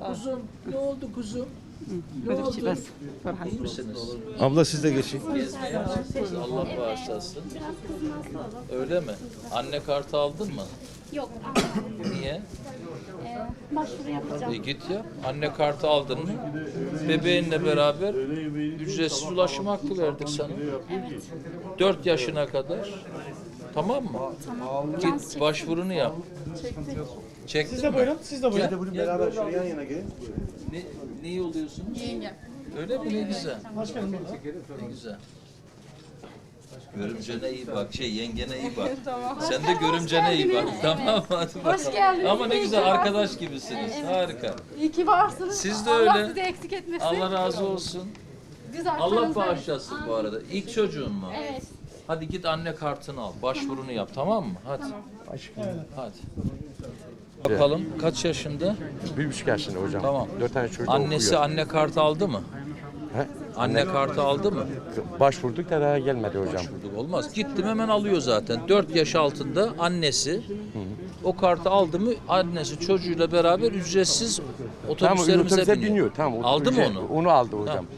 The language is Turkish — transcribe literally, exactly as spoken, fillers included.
kuzum? Ne oldu kuzum? Ne بدك oldu? شي بس فرحة. İyi misiniz? Abla siz de geçin. Gezmeye mi çıktınız? Allah bağışlasın. Öyle mi? Anne kartı aldın mı? Yok, almadım. Niye? Ee, başvuru yapacağım. E git ya. Anne kartı aldın mı? Bebeğinle beraber ücretsiz ulaşım hakkı verdik sana. Evet. Dört yaşına kadar. Tamam mı? Git başvurunu yap. Çektin Siz de mi? buyurun, siz de buyurun. Gel, beraber şöyle yan yana gelin. Ne, neyi oluyorsunuz? Yenge. Öyle mi? Ne güzel. Hoş geldin burada. Ne güzel. Görümcene iyi bak, şey yengene iyi bak. Sen de görümcene iyi bak. Tamam hadi bakalım. Hoş geldiniz. Ama ne İyi güzel ki arkadaş gibisiniz. Harika. İyi ki varsınız. Siz de Allah öyle. sizi eksik etmesin. Allah razı olsun. Biz Allah arkanızda- bağışlasın bu arada. İlk çocuğun mu? Evet. Hadi git anne kartını al. Başvurunu yap, tamam mı? Hadi. Hadi. Bakalım kaç yaşında? Bir buçuk yaşında hocam. Tamam. Dört tane çocuk Annesi okuyor. anne kartı aldı mı? He? Anne kartı aldı mı? Başvurduk da daha gelmedi hocam. Başvurduk olmaz. Gittim hemen alıyor zaten. dört yaş altında annesi o kartı aldı mı annesi çocuğuyla beraber ücretsiz Tamam, otobüslerimize otobüse biniyor. biniyor. Tamam, Aldı mı otobüse- onu? Onu aldı hocam. Tamam.